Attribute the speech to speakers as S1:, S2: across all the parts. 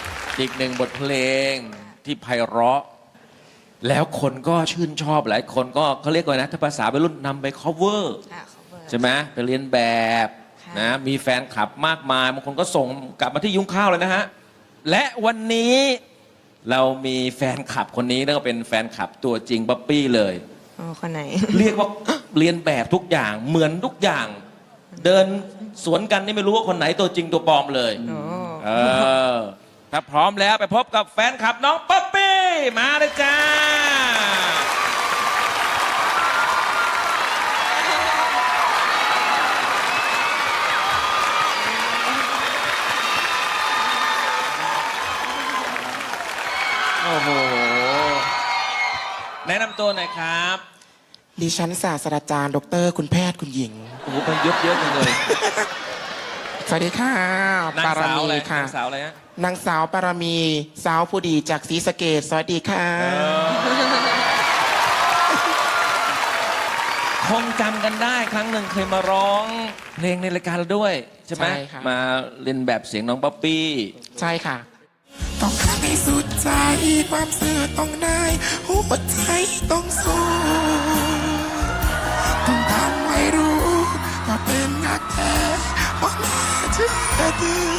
S1: อีกหนึ่งบทเพลงที่ไพเราะแล้วคนก็ชื่นชอบหลายคนก็เขาเรียกว่านะถ้าภาษาวัยรุ่นนำไป cover ใช่ไหมไปเรียนแบบนะมีแฟนคลับมากมายบางคนก็ส่งกลับมาที่ยุ้งข้าวเลยนะฮะและวันนี้เรามีแฟนคลับคนนี้แล้วก็เป็นแฟนคลับตัวจริงป๊อปปี้เลย
S2: อ๋อคนไหน
S1: เรียกว่าเรียนแบบทุกอย่างเหมือนทุกอย่างเดินสวนกันนี่ไม่รู้ว่าคนไหนตัวจริงตัวปลอมเลยถ้าพร้อมแล้วไปพบกับแฟนคลับน้องป๊อปปี้มาเลยจ้าโอ้โหแนะนำตัวหน่อยครับ
S3: ดิฉันศาสตราจารย์ดรคุณแพทย์คุณหญิง
S1: โอ้โหไปเยอะๆจังเลย
S3: สวัสดีค่ะ
S1: นาง
S3: ปาร
S1: สาว
S3: มี
S1: อะไร
S3: ค่ะ
S1: นางสาวอะไรฮะ
S3: นางสาวปารมีสาวผู้ดีจากศรีสะเกษสวัสดีค่ะ
S1: คงจำกันได้ครั้งหนึ่งเคยมาร้องเพลงในรายการเราด้วยใช่ไหม
S3: ใช่ค่ะ
S1: มาเล่นแบบเสียงน้องป๊อปปี้
S3: ใช่ค่ะ ต้องทำให้สุดใจความเสื่อต้องได้หัวใจต้องสู้ต้องทำให้รู้ว่าเป็นนักแท้ว่าแม่เชื่อถือ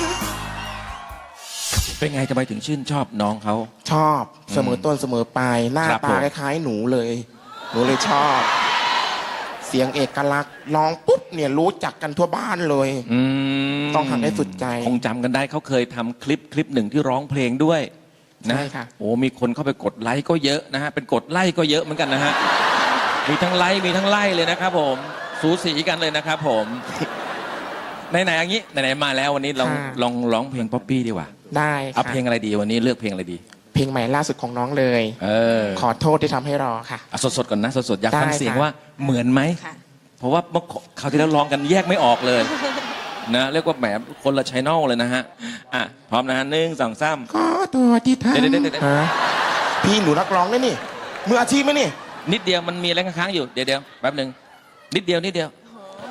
S1: เป็นไงทำไมถึงชื่นชอบน้องเขา
S3: ชอบเสมอต้นเสมอปลายหน้า
S1: ครับ
S3: ตา
S1: ผม
S3: คล้ายๆหนูเลยหนูเลยชอบ เสียงเอกลักษณ์ร้องปุ๊บเนี่ยรู้จักกันทั่วบ้านเลย ต้องทำให้สุดใจ
S1: คงจำกันได้เขาเคยทำคลิปหนึ่งที่ร้องเพลงด้วยนะ
S3: ใช่ค่ะ
S1: โอ้มีคนเข้าไปกดไลค์ก็เยอะนะฮะเป็นกดไลค์ก็เยอะเหมือนกันนะฮะมีทั้งไลค์มีทั้งไลค์เลยนะครับผมสูสีกันเลยนะครับผมไหนๆอย่างนี้ไหนๆมาแล้ววันนี้ลองร้องเพลงป๊อปปี้ดีกว่า
S3: ได้
S1: เอา
S3: ค่ะ
S1: เพลงอะไรดีวันนี้เลือกเพลงอะไรดี
S3: เพลงใหม่ล่าสุดของน้องเลย ขอโทษที่ทำให้รอค่ะ
S1: เอาสดๆก่อนนะสดๆอยากฟัง
S3: ได้
S1: เสียง
S3: ค่ะ
S1: ว่าเหมือนไหม
S2: ค่ะ
S1: เพราะว่าเมื่อคราวที่แล้วร้องกันแยกไม่ออกเลย นะเรียกว่าแหมคนละชแนลเลยนะฮะอ่ะพร้อมนะฮะ1 2 3
S3: ขอตัวที่ทำ
S1: เดี๋ยว
S3: ฮะพี่หนูนักร้องได้นี่มืออาชีพไหมนี่
S1: นิดเดียวมันมีอะไรค้างๆอยู่เดี๋ยวแป๊บหนึ่งนิดเดียวนิดเดียว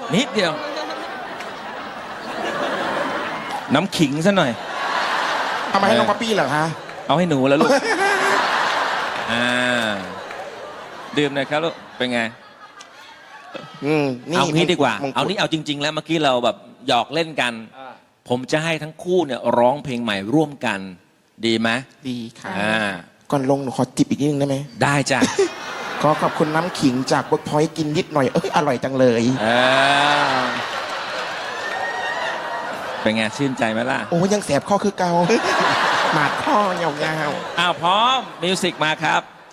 S1: น้ำขิงซะหน่อย
S3: เอามาให้น้องป๊อปปี้เหรอคะ
S1: เอาให้หนูแล้วลูก อ่าดื่มหน่อยครับลูกเป็นไง
S3: นี่
S1: เอางี้ดีกว่า
S3: มงกุฎ
S1: เอานี้เอาจริง ๆ แล้วเมื่อกี้เราแบบหยอกเล่นกัน ผมจะให้ทั้งคู่เนี่ยร้องเพลงใหม่ร่วมกัน ดีไหม
S3: ดีค่ะ
S1: อ่า
S3: ก่อนลงหนูขอจิบอีกนิดนึงได้ไหม
S1: ได้จ้ะ
S3: ขอขอบคุณน้ำขิงจากเวิร์กพอยต์กินนิดหน่อยอร่อยจังเลย
S1: เป็นไงชื่นใจไหมล่ะ
S3: โอ้ยังแสบข้อคือเกา หมาดข้อยาว
S1: อ้าวพร้อมมิวสิกมาครับ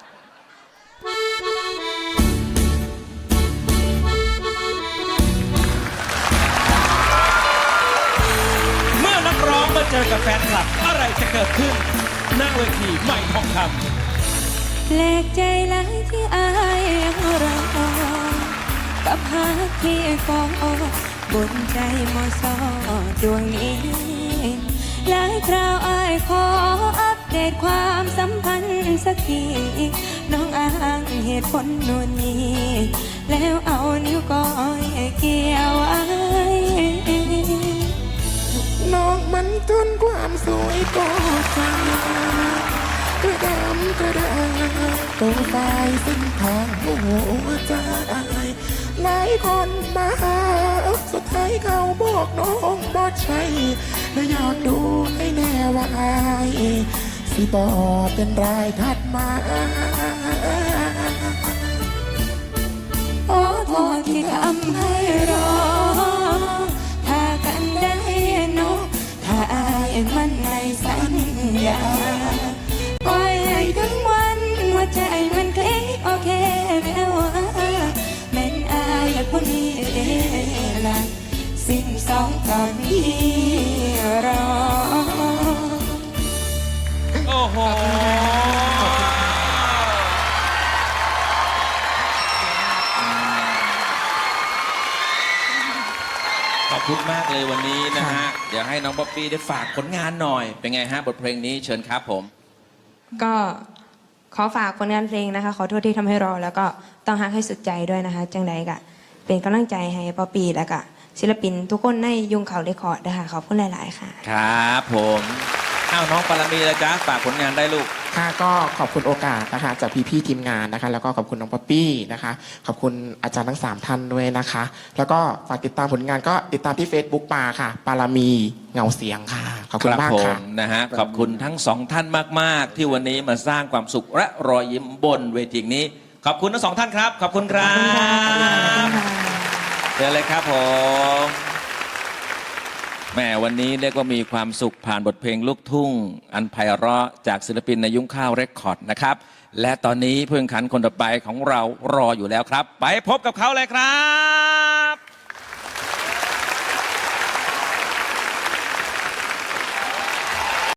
S1: เมื่อนักร้องมาเจอกับแฟนคลับอะไรจะเกิดขึ้นหน้าเวทีใหม่ทองคำ
S2: แปลกใจหลายที่อายยังรอกับหาที่ฟองบนใจมอสอดวงนี้หลายคราวอายขออัปเดตความสัมพันธ์สักทีน้องอ้างเหตุผลนู่นนี่แล้วเอานิ้วก้อยเกี่ยวไว้
S3: ๆน้องมันจนความสวยก็จางกระดำกระดาตัวตายเส้นทางหัวใจหลายคนมาหาสุดท้ายเขาบอกน้องบอใช่และอยากดูให้แน่ว่าอายสิบอเป็นรายถัดมา
S2: โอ้โทษที่ทำให้รอ ถ้ากันได้เนอะถ้าอายมันในสัญญาปล่อยให้ถึงวันหัวใจมันคลิกโอเคแม้ว่าแม่นอายผู้นี้ละสิ่งสองตอนนี้รอ
S1: โอ้โห ขอบคุณมากเลยวันนี้นะฮะ เดี๋ยวให้น้องป๊อปปี้ได้ฝากผลงานหน่อย เป็นไงฮะบทเพลงนี้เชิญครับผม
S2: ก็ขอฝากผลงานเพลงนะคะ ขอโทษที่ทำให้รอ แล้วก็ต้องฮักให้สุดใจด้วยนะคะ จังใดกะเป็นกำลังใจให้ป๊อปปี้แล้วก็ศิลปินทุกคนในยุงเขาเรคคอร์ดนะคะขอบคุณหลาย ๆ ค่ะ
S1: ครับผมอ้าวน้องปารมีเลยจ้าฝากผลงานได้ลูก
S3: ค่ะก็ขอบคุณโอกาสนะคะจากพี่ๆทีมงานนะคะ แล้วก็ขอบคุณน้องป๊อปปี้นะคะ ขอบคุณอาจารย์ทั้ง3ท่านด้วยนะคะ แล้วก็ฝากติดตามผลงานก็ติดตามที่ Facebook ปาค่ะ ปารามีเงาเสียงค่ะ ขอบคุณมาก
S1: ผ
S3: ค่ะ
S1: มนะฮะขอบคุณทั้งสองท่านมาก ๆ ที่วันนี้มาสร้างความสุขและรอยยิ้มบนเวทีนี้ ขอบคุณทั้งสองท่านครับ ขอบคุณครับเชิญเลยครับผมแหมวันนี้เรียกว่ามีความสุขผ่านบทเพลงลูกทุ่ง อันไพเราะจากศิลปินในยุ้งข้าวเรคคอร์ดนะครับ และตอนนี้ผู้แข่งขันคนต่อไปของเรารออยู่แล้วครับ ไปพบกับเขาเลยครับ